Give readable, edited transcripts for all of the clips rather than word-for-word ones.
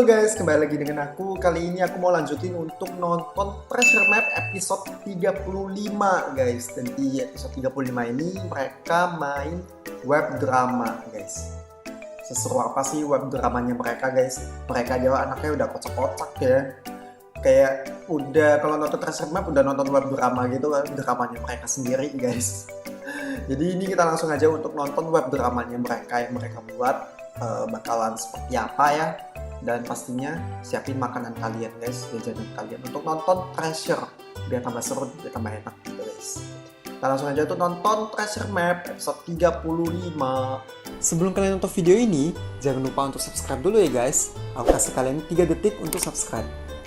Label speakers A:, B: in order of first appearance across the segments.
A: Halo guys, kembali lagi dengan aku. Kali ini aku mau lanjutin untuk nonton Treasure Map episode 35 guys. Dan di episode 35 ini mereka main web drama guys. Seseru apa sih web dramanya mereka guys? Mereka aja anaknya udah kocak-kocak ya. Kayak udah kalau nonton Treasure Map udah nonton web drama gitu kan, dramanya mereka sendiri guys. Jadi ini kita langsung aja untuk nonton web dramanya mereka yang mereka buat. Bakalan seperti apa ya, dan pastinya siapin makanan kalian guys, jajanan kalian untuk nonton Treasure biar tambah seru, biar tambah enak gitu guys. Kita langsung aja tuh nonton Treasure Map episode 35. Sebelum kalian nonton video ini, jangan lupa untuk subscribe dulu ya guys. Aku kasih kalian 3 detik untuk subscribe.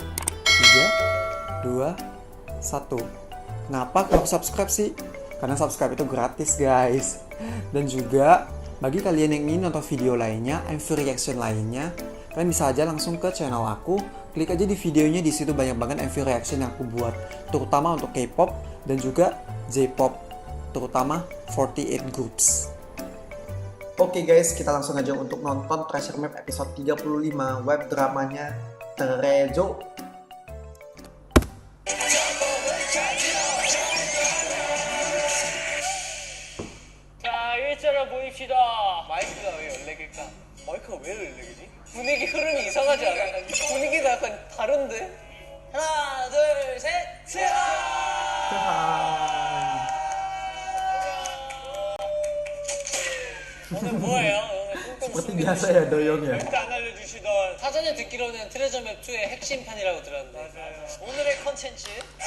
A: 3, 2, 1. Kenapa aku subscribe sih? Karena subscribe itu gratis guys. Dan juga bagi kalian yang ingin nonton video lainnya, MV reaction lainnya, kalian bisa aja langsung ke channel aku, klik aja di videonya, di situ banyak banget MV reaction yang aku buat, terutama untuk K-pop dan juga J-pop, terutama 48 Groups. Oke guys, kita langsung aja untuk nonton Treasure Map episode 35 web dramanya Trejo.
B: 일자로 보입시다. 마이크가 왜 14개일까? 마이크가 왜 14개지? 분위기 흐름이 이상하지 않아? 분위기가 약간 다른데? 하나, 둘, 셋! 오늘 뭐예요? 오늘
A: Seperti biasa ya doyong ya.
B: 안 알려주시던 사전에 듣기로는 트레저맵 2의 핵심판이라고 들었는데 맞아요. 오늘의 컨텐츠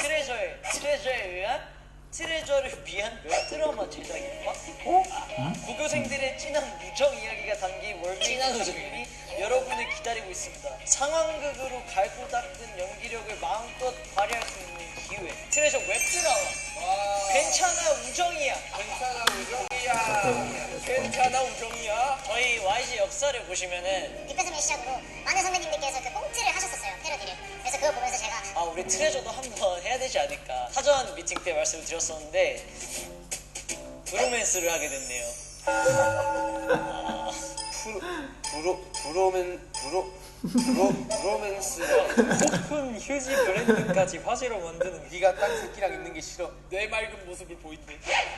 B: 트레저를 위한 웹드라마 제작입니다. 고교생들의 진한 우정 이야기가 담긴 월진한 우정이 여러분을 기다리고 있습니다. 상황극으로 갈고 닦은 연기력을 마음껏 발휘할 수 있는 기회. 트레저 웹드라마. 괜찮아 우정이야. 괜찮아 우정이야. 저희 YG 역사를 보시면은
C: 빅가슴을 시작으로 많은 선배님들께서 그 꽁트를 하셨었어요, 패러디를. 그래서 그거 보면서 제가
B: 우리 트레저도 한번 해야 되지 않을까. 사전 미팅 때 말씀을 드렸었는데 브로맨스를 하게 됐네요. 브로맨스가 오픈 휴지 브랜드까지 화제로 만드는. 네가 딴 새끼랑 있는 게 싫어. 내 맑은 모습을 보인대.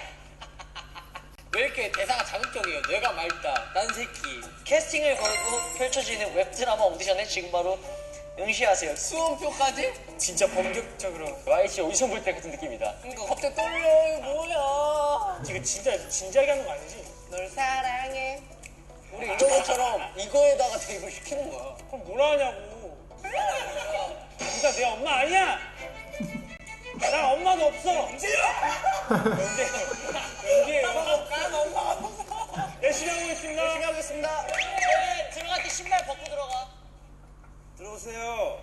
B: 왜 이렇게 대사가 자극적이에요? 뇌가 맑다, 딴 새끼. 캐스팅을 걸고 펼쳐지는 웹드라마 오디션에 지금 바로 응시하세요. 수험표까지? 진짜 본격적으로 YG 오디션 볼 때 같은 느낌이다. 그러니까 갑자기 떨려. 뭐야? 지금 진짜 진지하게 하는 거 아니지? 널 사랑해. 우리 이런 것처럼 이거에다가 대입을 시키는 거야. 그럼 뭐라 하냐고. 진짜 내 엄마 아니야. 난 엄마도 없어. 연재야. 연재예요. 난 엄마가 없어. 열심히 하고 있습니다. 열심히 하고 있습니다. 네, 들어갈 때 신발 벗고 들어가. 들어오세요.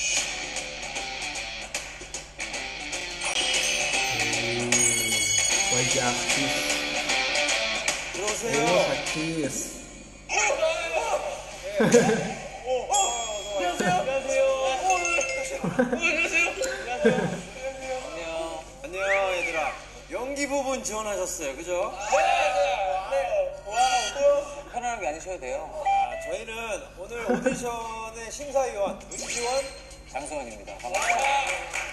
A: YG aktif.
B: 들어오세요.
A: Aktif.
B: 안녕하세요. 안녕 얘들아. 연기 부분 지원하셨어요, 그죠? 네. 와우. 편안하게 앉으셔도 돼요. 저희는 오늘 오디션의 심사위원 은지원, 장승원입니다. 반갑습니다.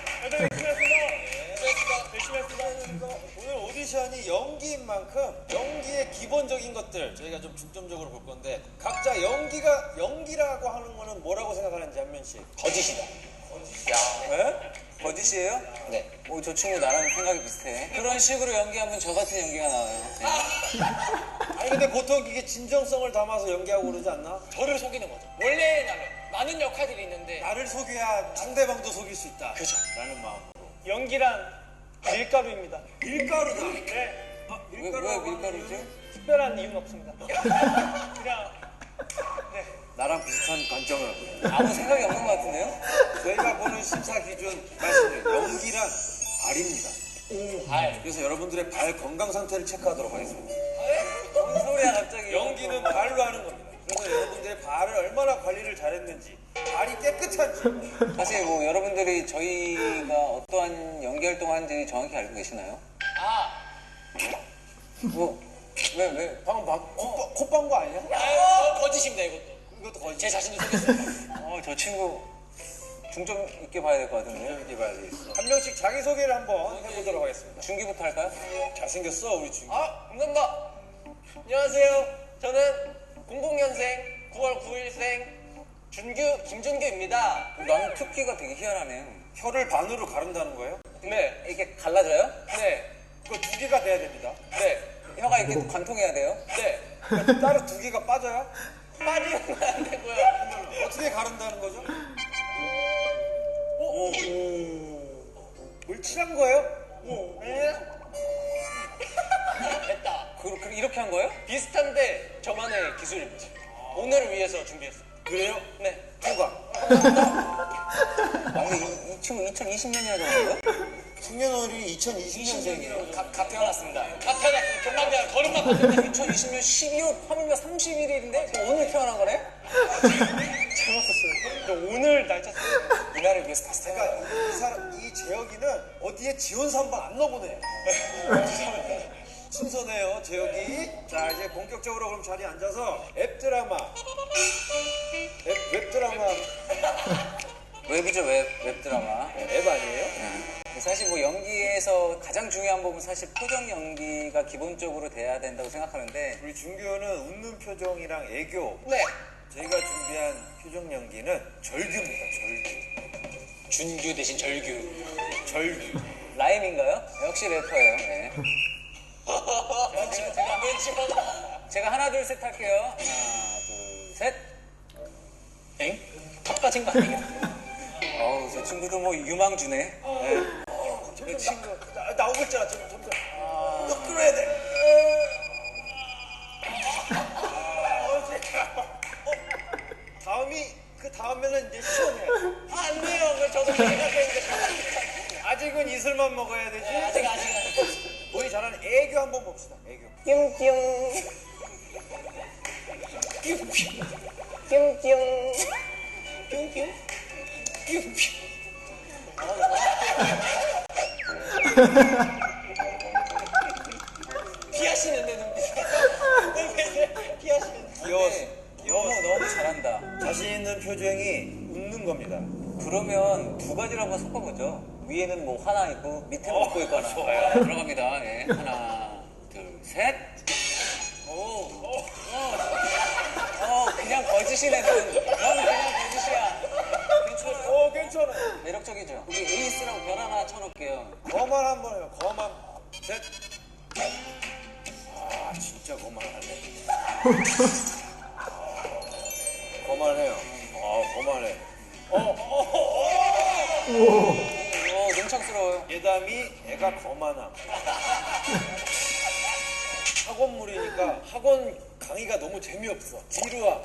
B: 열심히 했습니다. 오늘 오디션이 연기인 만큼 연기의 기본적인 것들 저희가 좀 중점적으로 볼 건데, 각자 연기라고 하는 거는 뭐라고 생각하는지 한 명씩. 거짓이다. 거짓이야. 네? 거짓이에요? 네. 저 친구 나랑 생각이 비슷해. 그런 식으로 연기하면 저 같은 연기가 나와요. 네. 아니 근데 보통 이게 진정성을 담아서 연기하고 그러지 않나? 저를 속이는 거죠. 원래 나는 많은 역할들이 있는데 나를 속여야 상대방도 속일 수 있다. 그죠. 라는 마음으로. 연기란 밀가루입니다. 밀가루다. 네. 왜 밀가루지? 특별한 이유는 없습니다. 그냥 네. 나랑 비슷한 관점을 아무 생각이 없는 것 같은데요? 저희가 보는 심사 기준 말씀드려요. 연기란 발입니다. 발. 그래서 여러분들의 발 건강 상태를 체크하도록 하겠습니다. 무슨 소리야 갑자기. 연기는 발로 하는 겁니다. 그래서 여러분들의 발을 얼마나 관리를 잘했는지, 발이 깨끗한지. 사실 뭐 여러분들이 저희가 어떠한 연기 활동을 하는지 정확히 알고 계시나요? 왜? 방금 콧방구 아니야? 거짓입니다 이것도. 이것도 거의
D: 제 자신도 속였어요.
E: 저 친구 중점 있게 봐야 될 것 같은데.
B: 이렇게 봐야 되겠어. 한 명씩 자기 소개를 한번 해보도록 하겠습니다.
E: 중기부터 할까요?
B: 잘생겼어 우리 준규.
D: 감사합니다. 안녕하세요. 저는 00년생 9월 9일생 김준규입니다.
E: 나는 특기가 되게 희한하네.
B: 혀를 반으로 가른다는 거예요?
D: 네.
E: 이렇게 갈라져요?
D: 네.
B: 그거 두 개가 돼야 됩니다.
D: 네.
E: 혀가 이렇게 관통해야 돼요?
D: 네.
B: 따로 두 개가 빠져요?
D: 빠지면 안 되고요.
B: 어떻게 가른다는 거죠? 물 칠한 거예요?
D: 됐다.
E: 이렇게 한 거예요?
D: 비슷한데 저만의 기술입니다. 오늘을 위해서 준비했어요.
B: 그래요?
D: 네.
B: 누가?
E: 근데 이 친구 2020년이나 되는 거예요?
B: 승년월이 2020년생이에요.
D: 갓 태어났습니다. 갓 태어났어요. 좀만 돼. 걸음만 봤는데
E: 2020년 12월 3일과 31일인데 오늘 태어난 거네?
D: 잘못했어요. 오늘 날짜 썼어요.
E: 이날을 위해서 다시 태어난
B: 그러니까
E: 거야.
B: 이 재혁이는 어디에 지원서 한 번 안 넣어보네. 순서네요, 재혁이. 자, 이제 본격적으로 그럼 자리에 앉아서 웹드라마. 웹드라마.
E: 웹이죠, 웹드라마.
B: 앱 아니에요?
E: 사실 뭐 연기에서 가장 중요한 부분 사실 표정 연기가 기본적으로 돼야 된다고 생각하는데
B: 우리 준규는 웃는 표정이랑 애교.
D: 네.
B: 저희가 준비한 표정 연기는 절규입니다, 절규.
D: 준규 대신 절규.
B: 절규.
E: 라임인가요? 역시 래퍼예요. 네. 제가 하나 둘 셋 할게요. 하나 둘 셋.
D: 엥? 턱 빠진 거 아니에요?
E: 어우 저 친구도 뭐 유망주네. 네.
B: 그 친구 나오고 있잖아, 지금 점점. 너 끌어야 돼. 그 다음에는 이제 시원해.
D: 안 돼요. 그 저도 생각했는데.
B: 아직은 이슬만 먹어야 되지.
D: 아직.
B: 우리 잘하는 애교 한번 봅시다. 애교.
D: 뿅뿅. 뿅뿅. 뿅뿅. 뿅뿅. 피하시는데 눈빛. 피하시는데.
B: 귀여웠어.
E: 너무 잘한다.
B: 자신 있는 표정이 웃는 겁니다.
E: 그러면 두 가지를 한번 섞어보죠. 위에는 뭐 하나 있고 밑에는 웃고 있거나.
B: 좋아요.
E: 들어갑니다. 예. 하나 둘 셋. 그냥 거짓이네. 넌 그냥 거짓이야. 괜찮아요?
B: 괜찮아.
E: 매력적이죠. 우리 에이스라고 별 하나 쳐놓을게요.
B: 거만 한번 해요. 거만. 셋. 아, 진짜 거만하네. 거만해요. 거만해.
E: 능청스러워요.
B: 예담이 애가 거만함. 학원물이니까 학원 강의가 너무 재미없어. 뒤로 와.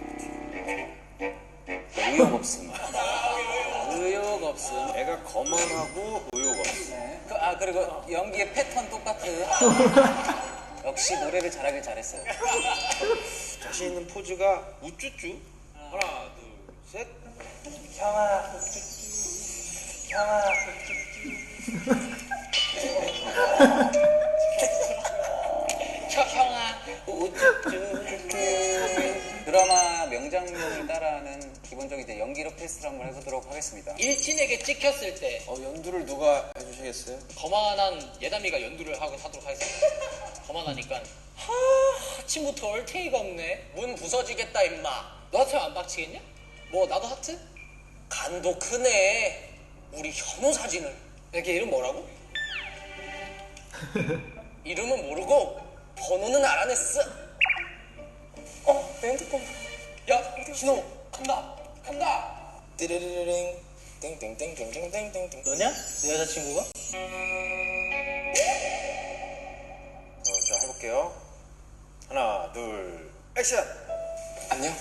E: 의욕 없음. 의욕 없음.
B: 애가 거만하고 의욕 없어.
E: 네. 그리고 연기의 패턴 똑같은. 역시 노래를 잘하길 잘했어요.
B: 자신 있는 포즈가 우쭈쭈. 하나, 둘, 셋.
E: 형아, 형아.
D: 형아.
E: 드라마 명장면을 따라하는 기본적인 이제 연기력 테스트를 한번 해보도록 하겠습니다.
D: 일진에게 찍혔을 때
B: 연두를 누가 해주시겠어요?
D: 거만한 예담이가 연두를 하도록 하겠습니다. 거만하니까 아침부터 얼탱이가 없네. 문 부서지겠다 임마. 너 하트 안 박치겠냐? 뭐 나도 하트? 간도 크네. 우리 현우 사진을. 이렇게 이름 뭐라고? 이름은 모르고 번호는 알아냈어. 내 핸드폰. 야, 신호 간다.
F: 띠르르링 띵띵띵띵띵띵띵띵.
D: 너냐? 내 여자친구가?
B: 자, 해볼게요. 하나, 둘, 액션!
F: 안녕.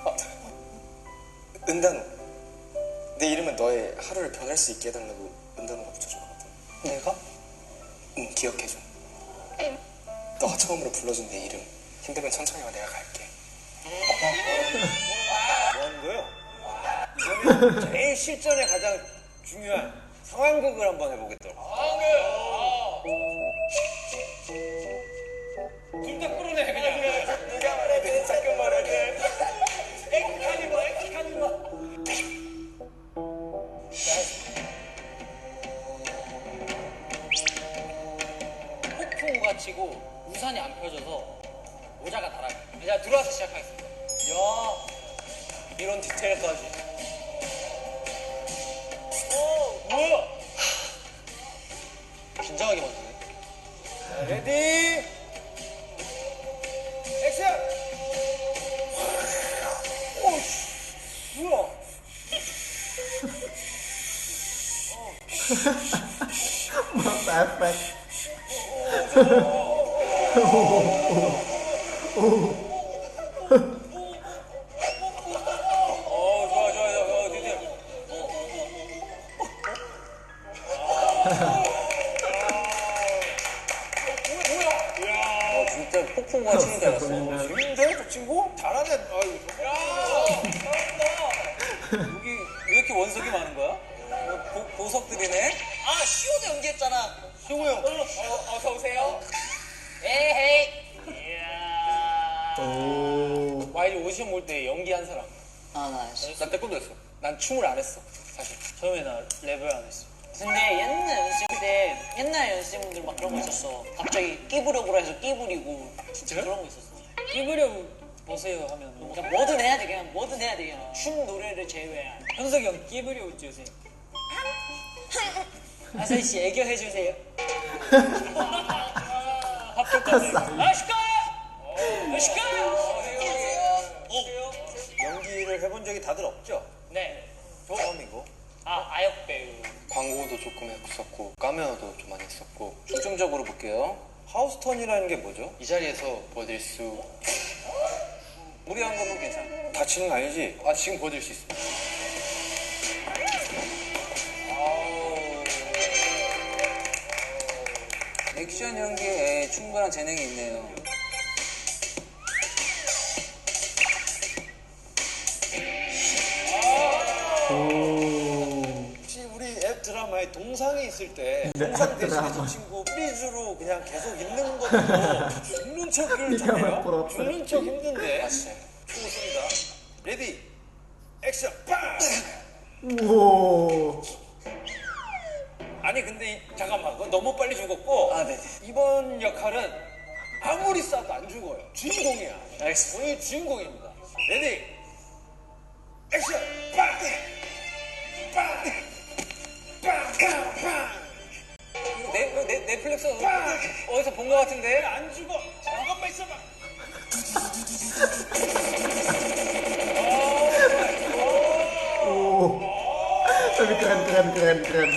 F: 은단우. 내 이름은 너의 하루를 변할 수 있게 해달라고 은단우가 붙여준 거거든.
D: 내가?
F: 응, 기억해줘. 너가 처음으로 불러준 내 이름. 힘들면 천천히 와, 내가 갈게.
B: 뭐 하는 거예요? 이거는 제일 실전에 가장 중요한 상황극을 한번 해보겠도록.
D: 둘 다 끌어내 그냥.
F: 누가 말하든 잠깐 말하든.
D: 폭풍우가 치고 우산이 안 펴져서 모자가 날아가. 자, 들어와서 시작하겠습니다. 야, 이런 디테일까지. 뭐야? 긴장하게 만드네.
B: 자, 레디 액션. 오씨 뭐야?
A: Mata efek.
B: 좋아 디테일.
E: 진짜 폭풍과 치는 줄 알았어.
B: 재밌는데 저 친구? 잘하네. 아유.
E: 여기 왜 이렇게 원석이 많은 거야? 보석들이네?
D: 아, 시오도 연기했잖아.
B: 시호 형.
D: 어서 오세요. 에헤이. 이야.
A: Oh.
D: 와이드 오디션 볼 때 연기한 사람.
E: 아, 나 알았어.
D: 난 태권도 했어. 난 춤을 안 했어. 사실. 처음에 나 랩을 안 했어. 근데 옛날 연습 때 옛날 연습생분들 막 그런 거 있었어. 갑자기 끼부려고 해서 끼부리고 진짜 그런 거 있었어. 끼부려 보세요 하면 그냥 뭐든 해야 돼. 그냥 뭐든 해야 돼. 그냥 춤 노래를 제외한. 현석이 형 끼부려 웃지 요새. 아사히 씨 애교 해주세요. 합격까지. 아시카.
B: 연기를 해본 적이 다들 없죠?
D: 네.
B: 처음이고.
D: 아역 배우.
F: 광고도 조금 했었고 카메오도 좀 많이 했었고
E: 중점적으로 볼게요.
B: 하우스턴이라는 게 뭐죠?
F: 이 자리에서 보여드릴 수
E: 무리한 거면 괜찮아.
B: 다치는 거 아니지?
F: 지금 보여드릴 수 있습니다.
E: 액션 연기에 충분한 재능이 있네요.
B: 혹시 우리 앱 드라마에 동상이 있을 때 동상 대신에 저 친구 프리즈로 그냥 계속 있는 것도 죽는 척을
A: 네가 왜
B: 잘해요?
A: 부럽다.
B: 죽는 척 힘든데.
F: 맞아요.
B: 좋습니다. 레디 액션 빵!
A: Wow.
B: 아니 근데 잠깐만 그건 너무 빨리 죽었고
E: 아, 네.
B: 이번 역할은 아무리 쏴도 안 죽어요. 주인공이야. 본인이 주인공입니다. 레디 액션 빵! 빵! 빵! 빵! 빵!
E: 넷플릭스 어디서 본 거 같은데?
B: 안 죽어. 잠깐만 있어봐.
A: Oh. Tapi keren.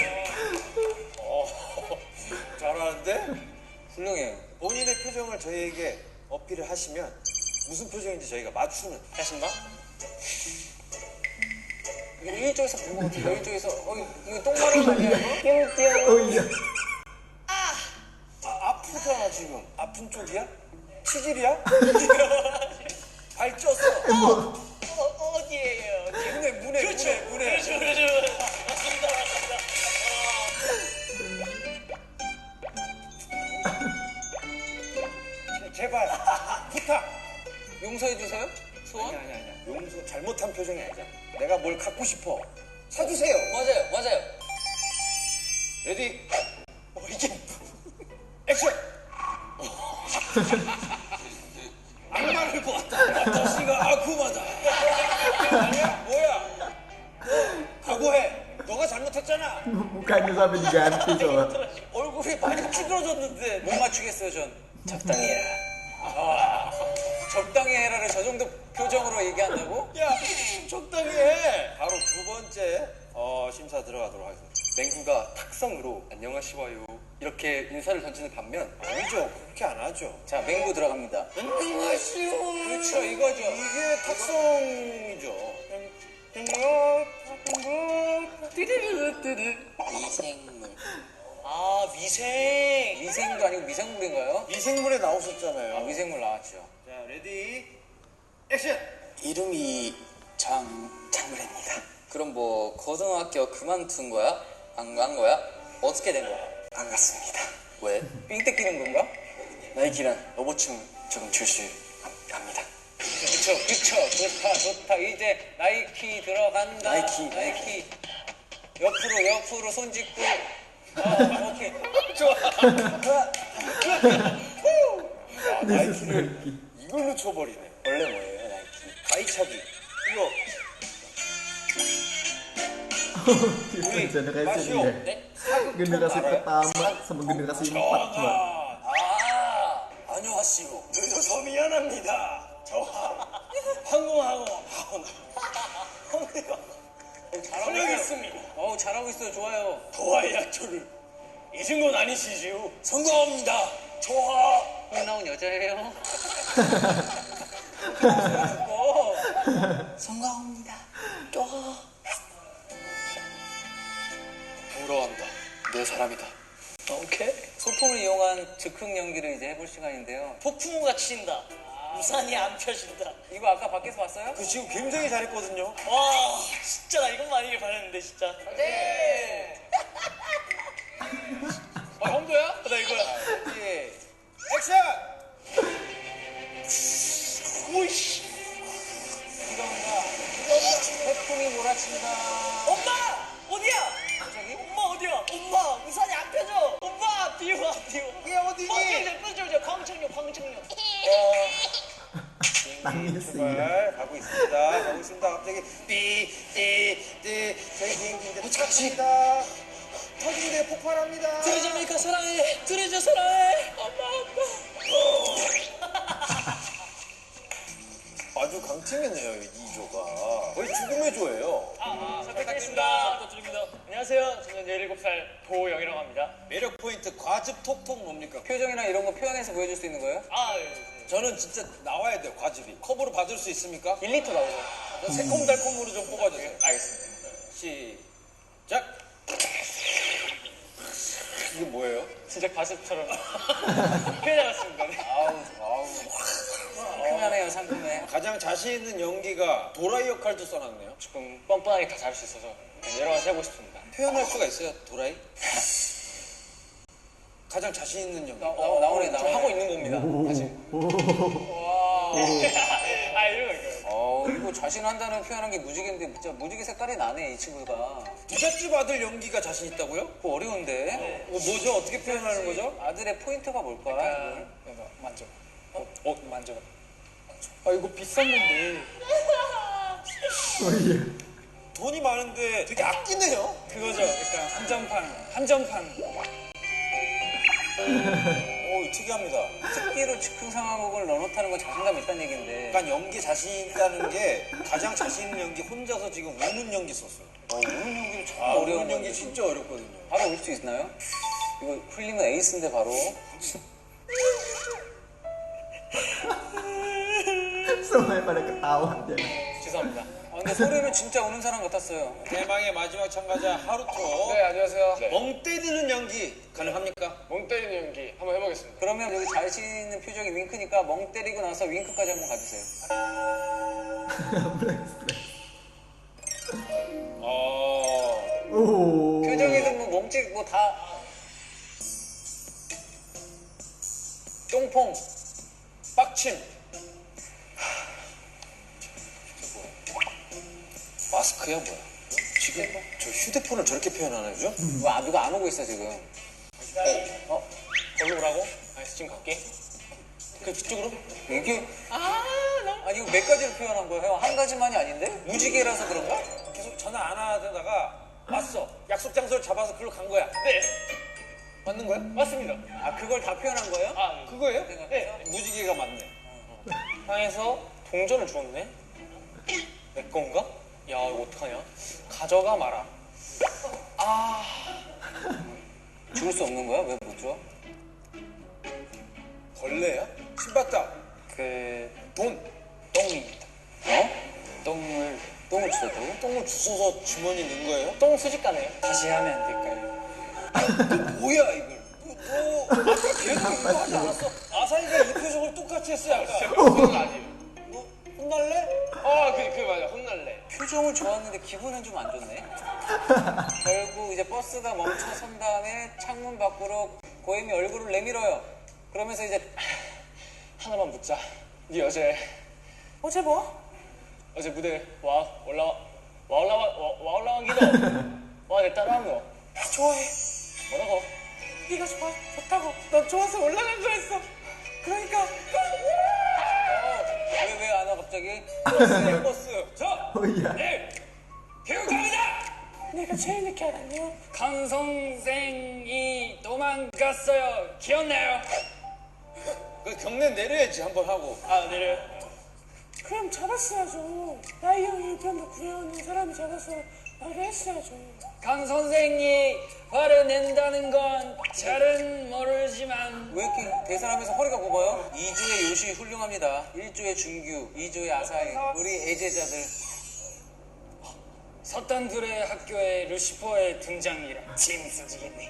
B: 잘하는데?
E: 훌륭해요.
B: 본인의 표정을 저희에게 어필을 하시면 무슨 표정인지 저희가 맞추는.
D: 하신다?
E: 이거 이쪽에서 본 거 같은데? 이쪽에서 이거 똥마름 아니야 이거?
A: Oh iya.
B: 아프잖아 지금. 아픈 쪽이야? 치질이야? 발 쪘어.
D: 어디에요?
B: 문에.
D: 그렇죠. 맞습니다.
B: 제발 부탁.
E: 용서해 주세요. 소원?
B: 아니야. 용서 잘못한 표정이 아니야. 내가 뭘 갖고 싶어. 사주세요.
E: 맞아요.
B: 레디. 이게 액션. 악마를 보았다. 아저씨가 아쿠마다. 아니야? 뭐야? 각오해. 너가 잘못했잖아.
A: Mukanya sampai diganti coba.
B: 얼굴이 많이 찌그러졌는데.
E: 못 맞추겠어요 전. 적당히 해라. 적당히 해라를 저 정도 표정으로 얘기한다고?
B: 야, 적당히 해. 바로 두 번째 심사 들어가도록 하겠습니다.
F: 맹구가 탁성으로 안녕하시와요 이렇게 인사를 던지는 반면
B: 아니죠. 그렇게 안 하죠.
E: 자, 맹구 들어갑니다.
B: 안녕하시오.
E: 그렇죠, 이거죠.
B: 이게 탁성이죠.
E: 미생물.
D: 아, 미생.
E: 미생도 아니고 미생물인가요?
B: 미생물에 나오셨잖아요.
E: 아, 미생물 나왔죠.
B: 자, 레디, 액션.
F: 이름이 장무래입니다.
E: 그럼 뭐 고등학교 그만둔 거야? 안 간 거야? 어떻게 된 거야?
F: 안 갔습니다.
E: 왜? 삥 뜯기는 건가?
F: 나이키랑 로봇춤 조금 출 수 합니다.
E: 그쵸. 좋다. 이제 나이키 들어간다. 나이키. 옆으로 손 짚고. 오케이.
B: 나이키를 이걸로 쳐버리네.
E: 원래 뭐예요, 나이키?
B: 가이차기. 이거
A: Generasi
B: 마시오.
A: ini ya. Generasi pertama sama generasi 4 coba.
B: 안녕하시오. 늦어서 미안합니다. 저 항공하고 잘하겠습니다.
E: 잘하고 있어요. 좋아요.
B: 도화의 약초를 잊은 건 아니시지요? 성공합니다. 좋아.
E: 콩 나온 여자예요. 성공합니다.
F: 부러워한다. 내 사람이다.
E: 오케이. 소품을 이용한 즉흥 연기를 이제 해볼 시간인데요.
D: 폭풍우가 친다. 우산이 안 펴진다.
E: 이거 아까 밖에서 봤어요?
B: 그 지금 굉장히 잘했거든요.
D: 와, 진짜 나 이것만 아니길 바랬는데 진짜.
E: 네.
D: 형도야? 나 이거야.
E: 예.
B: 액션!
D: 오이씨.
E: 비가 온다. 태풍이 몰아친다.
D: 엄마! 어디야?
E: 갑자기?
D: 엄마 어디야? 엄마 우산이 안 펴져. 엄마 비와.
B: 이게 어디니?
D: 저 광청료.
A: Nangis sih.
B: 정말 가고 있습니다. 갑자기 띠 저희 비행기 이제 도착합니다. 터진대 폭발합니다.
D: 드레저니까 사랑해. 드레저 사랑해. 엄마.
B: 아주 강팀이네요 이 조가. 거의 죽음의 조예요.
D: 부탁드립니다. 안녕하세요. 저는 17살 도영이라고 합니다.
B: 매력 포인트 과즙 톡톡 뭡니까?
E: 표정이나 이런 거 표현해서 보여줄 수 있는 거예요?
B: 저는 진짜 나와야 돼요 과즙이. 컵으로 받을 수 있습니까?
D: 1리터 나오죠.
B: 새콤달콤으로 좀 뽑아주세요.
D: 알겠습니다.
B: 시작. 이게 뭐예요?
D: 진짜 가습처럼 표현해봤습니다. 네.
E: 아우. 상큼하네요, 상큼해.
B: 가장 자신 있는 연기가 도라이 역할도 써놨네요.
D: 조금 뻔뻔하게 다 잘할 수 있어서 여러 가지 해보고 싶습니다.
B: 표현할 수가 있어요 도라이? 가장 자신 있는 연기.
E: 나오네.
D: 저 하고 있는 겁니다. 사실.
E: 이거 자신한다는 표현한 게 무지개인데 진짜 무지개 색깔이 나네, 이 친구가.
B: 부잣집 아들 연기가 자신 있다고요?
E: 그거 어려운데.
B: 뭐죠? 어떻게 표현하는 거죠?
E: 아들의 포인트가 뭘까? 이걸?
D: 만져. 만져. 이거 비싼 건데.
A: Oh iya.
B: 돈이 많은데 되게 아끼네요.
D: 그거죠. 약간 한정판.
B: 오, 특이합니다.
E: 특기로 즉흥 상황극을 넣어놓다는 건 자신감 있다는 얘기인데.
B: 약간 연기 자신 있다는 게 가장 자신 있는 연기 혼자서 지금 우는 연기 썼어요.
E: 우는 연기도 참
B: 우는
E: 어려운
B: 연기
E: 건데.
B: 진짜 어렵거든요.
E: 바로 올 수 있나요? 이거 흘리면 에이스인데 바로.
A: Semuanya pada ketawa dia.
D: 죄송합니다.
E: 근데 소리는 진짜 우는 사람 같았어요.
B: 대망의 마지막 참가자 하루토.
D: 네, 안녕하세요.
B: 멍 때리는 연기 가능합니까?
D: 멍 때리는 연기 한번 해보겠습니다.
E: 그러면 여기 자신 있는 표정이 윙크니까 멍 때리고 나서 윙크까지 한번 가주세요.
A: Oh.
E: 표정이든 뭐 몸짓 뭐 다. 똥퐁.
B: 빡침. 마스크야 뭐야? 지금 저 휴대폰을 저렇게 표현하나요?
E: 누가 안 오고 있어 지금.
D: 거기 오라고? 알겠어, 지금 갈게.
B: 그쪽으로?
E: 이게 아니 이거 몇 가지를 표현한 거예요? 한 가지만이 아닌데? 무지개라서 그런가?
B: 계속 전화 안 하다가 왔어. 약속 장소를 잡아서 그걸로 간 거야.
D: 네,
B: 맞는 거야?
D: 맞습니다.
E: 아 그걸 다 표현한 거예요?
B: 그거예요?
E: 생각해서?
B: 무지개가 맞네.
D: 향해서 동전을 주었네? 내 건가? 야, 이거 어떡하냐? 가져가 마라.
E: 줄 수 없는 거야? 왜 못 줘?
B: 벌레야? 신봤다.
D: 똥입니다.
E: 똥을 주셨다고?
B: 똥을 주워서 주머니 넣은 거예요?
D: 똥 수집가네요. 다시 하면 안 될까요?
B: 뭐야 이걸? 너 아까 계속 이거 하지 않았어? 아사히가 이 표정을 똑같이 했어 아까.
D: 그건 아니에요.
B: 너 혼날래?
D: 그 맞아. 혼날래.
E: 표정은 좋았는데 기분은 좀 안 좋네. 결국 이제 버스가 멈춰선 다음에 창문 밖으로 고엠이 얼굴을 내밀어요. 그러면서 이제
D: 하나만 묻자. 네 여자애
E: 어제 뭐?
D: 어제 무대 올라온 기도 내 따라한 거
E: 좋아해.
D: 뭐라고?
E: 네가 좋다고. 넌 좋아서 올라간 거였어. 그러니까. 왜 안 와 갑자기?
D: 버스
A: 오야.
D: 네 교육합니다.
E: 내가 제일 늦게 알았네요.
D: 강 선생이 도망갔어요. 기억나요?
B: 그 경례 내려야지 한번 하고.
D: 내려.
E: 그럼 잡았어야죠. 나이 형이 우편도 구해오는 사람이 잡아서 말을 했어야죠.
D: 강 선생이 화를 낸다는 건 잘은 모르지만
E: 왜 이렇게 대사하면서 허리가 굽어요? 2조의 요시 훌륭합니다. 1조의 준규, 2조의 아사히, 우리 애제자들.
D: 서탄들의 학교에 루시퍼의 등장이라 재밌어지겠네.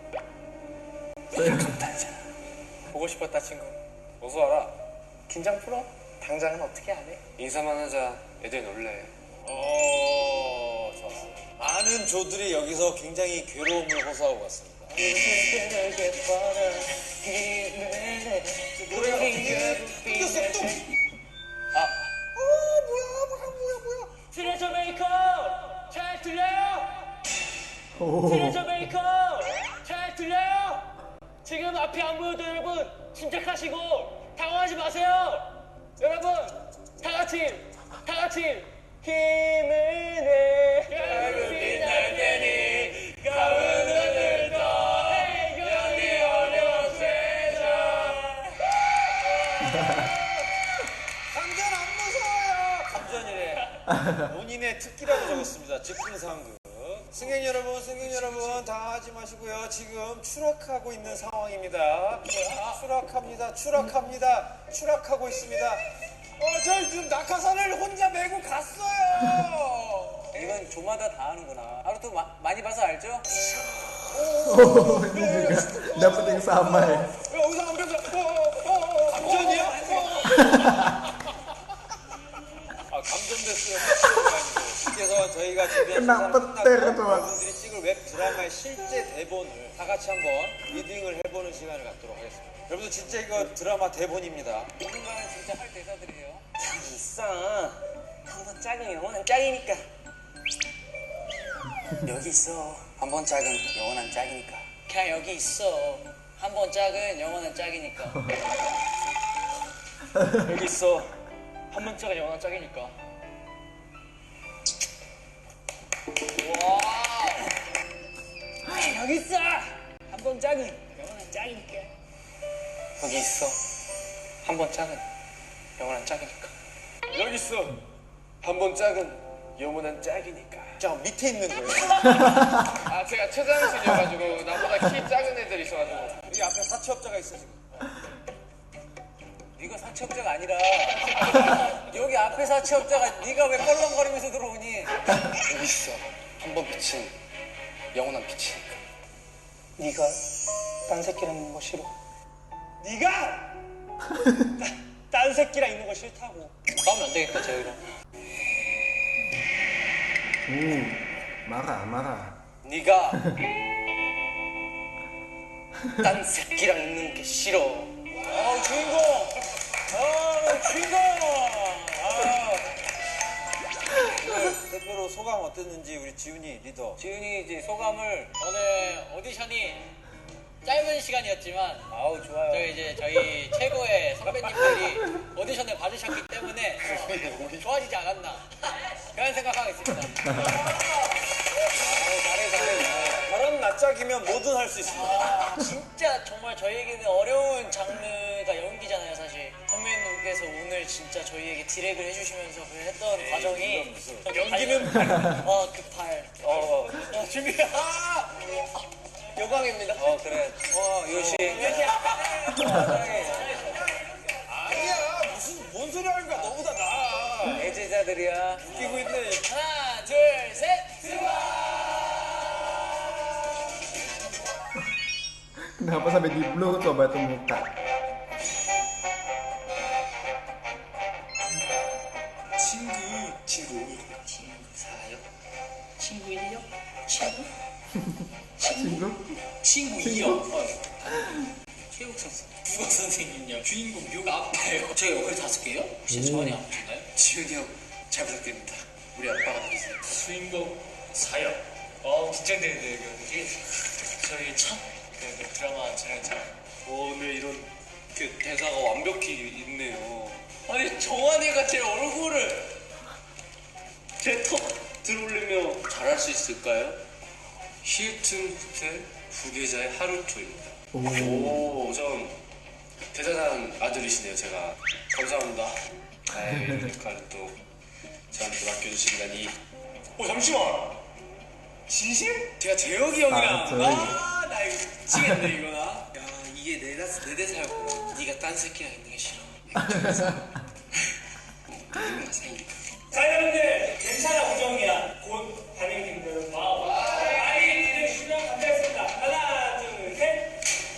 E: 보고 싶었다 친구.
F: 어서 와라.
E: 긴장 풀어. 당장은 어떻게 안 해?
F: 인사만 하자. 애들 놀래.
B: 좋았어. 많은 조들이 여기서 굉장히 괴로움을 호소하고 갔습니다. 이겼어 또. 뭐야.
D: 트레저 메이커 잘 들려요?
A: 오.
D: 트레저 메이커 잘 들려요? 지금 앞이 안 보여도 여러분 침착하시고 당황하지 마세요. 여러분 다 같이 힘을 내 가을빛 날 테니 가을 눈을 떠 해결이 어려운 세상.
B: 감전 안 무서워요. 감전이래. 본인의 특기라고 적었습니다. 즉흥상극. 승객 여러분 다 하지 마시고요. 지금 추락하고 있는 상황입니다. 추락하고 있습니다. 저희 지금 낙하산을 혼자 메고 갔어요.
E: 이건 조마다 다 하는구나. 하루도 많이 봐서 알죠?
A: Oh, ini juga dapat yang sama ya.
B: 여기서 안 벽을 감전이야? 감전됐어요. 그래서 저희가 준비한
A: 그냥
B: 시상을
A: 뻗대,
B: 끝나고
A: 그동안.
B: 여러분들이 찍을 웹 드라마의 실제 대본을 다 같이 한번 리딩을 해보는 시간을 갖도록 하겠습니다. 여러분들 진짜 이거 드라마 대본입니다.
E: 누군가는 진짜 할 대사들이에요.
G: 있어. 한번 짝은 영원한 짝이니까. 여기 있어. 한번 짝은 영원한 짝이니까.
D: 그냥 여기 있어. 한 번 짝은 영원한 짝이니까. 여기 있어. 한 번 짝은 영원한 짝이니까. 와. 여기 있어. 한 번 짝은 영원한 짝이니까.
G: 여기 있어. 한번 짝은 영원한 짝이니까.
F: 여기 있어. 한 번 짝은 영원한 짝이니까.
B: 자 밑에 있는 거예요.
F: 아 제가 최장신이어가지고 나보다 키 작은 애들이 있어가지고.
B: 여기 앞에 사채업자가 있어 지금.
E: 네가 사채업자가 아니라 여기 앞에 사채업자가 네가 왜 껄렁거리면서 들어오니?
G: 여기 있어. 한 번 빛은 영원한 빛이니까.
E: 네가 딴 새끼랑 있는 거 싫어.
G: 네가 딴 새끼랑 있는 거 싫다고.
D: 싸우면 안 되겠다, 저희랑.
A: Marah.
G: 네가 딴 새끼랑 있는 게 싫어.
E: 주인공. 주인공.
B: 대표로 소감 어땠는지 우리 지훈이 리더.
E: 지훈이 이제 소감을
D: 오늘 오디션이 짧은 시간이었지만
E: 아우 좋아요.
D: 저희 최고의 선배님들이 오디션을 봐주셨기 때문에 좋아지지 않았나 그런 생각하고 있습니다.
B: 저런 낯짝이면 뭐든 할 수 있습니다.
D: 진짜 정말 저희에게는 어려운 장르가 연기잖아요, 사실. 선배님께서 오늘 진짜 저희에게 디렉을 해주시면서 그 했던 과정이
B: 연기는
D: 그 발. 준비.
G: 영광입니다.
E: 그래. 요시.
B: 아니야 뭔 소리 하는 거야 너보다 나.
E: 애제자들이야.
B: 웃기고 있네.
D: 하나, 둘, 셋.
A: Kenapa sampai di blur coba tuh muka?
G: 친구.
D: 친구 1력? 친구?
A: Singgung?
D: 친구 2력. 체육 선수. 국어 선생님요. 주인공 묘가 아파요. 제가 역할이 5개요? 혹시 저한이 아프신가요?
G: 지훈이 형 잘 부탁드립니다. 우리 아빠가 되겠어요.
D: 주인공 사역. 긴장되는데 이거 되게 저희 첫 드라마 촬영장.
G: 오늘 이런 대사가 완벽히 있네요.
D: 아니 정한이가 제 얼굴을
G: 제 턱 들어올리며 잘할 수 있을까요? 힐튼 호텔 부계자의 하루토입니다. 오, 좀 대단한 아들이시네요, 제가. 감사합니다. 이런 역할을 또 저한테 맡겨주신다니. 잠시만! 진심? 제가 재혁이 형이랑
A: 저희.
G: 나 이거 미치겠네 이거 나. 야, 이게 내 대사였구나. 네가 딴 새끼랑 있는 게 싫어. 우리가 사이니까.
B: 자 여러분들 괜찮아 우정이야 곧 단행팀들은 아이들 출연 감사했습니다. 하나 둘셋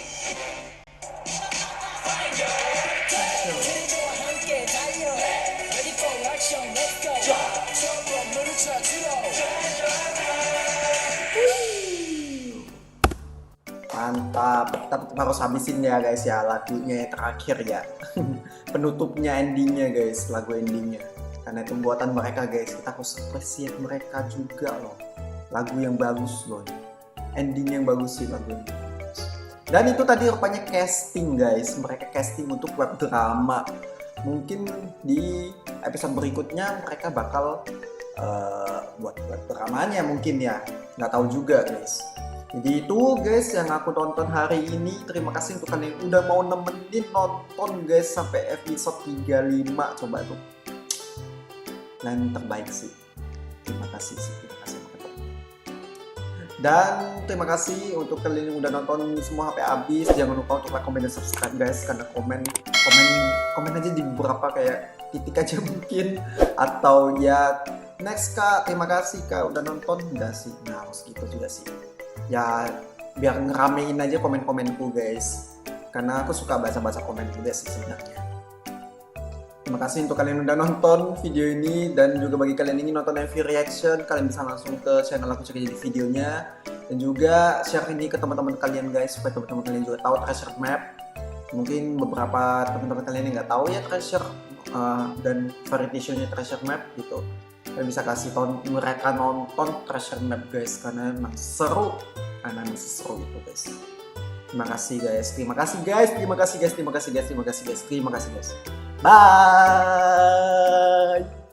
A: Mantap, kita harus habisin ya guys ya lagunya yang terakhir ya. Penutupnya, endingnya guys, lagu endingnya. Karena itu buatan mereka guys, kita harus appreciate mereka juga loh. Lagu yang bagus loh, ending yang bagus sih lagu ini. Dan itu tadi rupanya casting guys, mereka casting untuk web drama. Mungkin di episode berikutnya mereka bakal buat web dramanya mungkin ya, nggak tahu juga guys. Jadi itu guys yang aku tonton hari ini. Terima kasih untuk kalian yang udah mau nemenin nonton guys sampai episode 35. Coba tuh, kalian terbaik sih. Terima kasih sih, terima kasih banget. Dan terima kasih untuk kalian yang udah nonton semua sampai habis. Jangan lupa untuk like, comment, dan subscribe guys. Karena komen aja di beberapa kayak titik aja mungkin. Atau ya next kak, terima kasih kak udah nonton. Enggak sih, nah harus gitu juga sih. Ya biar ngeramein aja komen-komenku guys, karena aku suka baca-baca komen juga sih sebenarnya. Terima kasih untuk kalian yang udah nonton video ini, dan juga bagi kalian yang ingin nonton MV reaction, kalian bisa langsung ke channel aku, cek aja di videonya, dan juga share ini ke teman-teman kalian guys, supaya teman-teman kalian juga tahu treasure map. Mungkin beberapa teman-teman kalian yang nggak tahu ya treasure dan variety show-nya treasure map gitu. Kalian bisa kasih mereka nonton treasure map guys, karena emang seru, gitu guys. Terima kasih guys, terima kasih guys, terima kasih guys, terima kasih guys, terima kasih guys, terima kasih guys. Bye.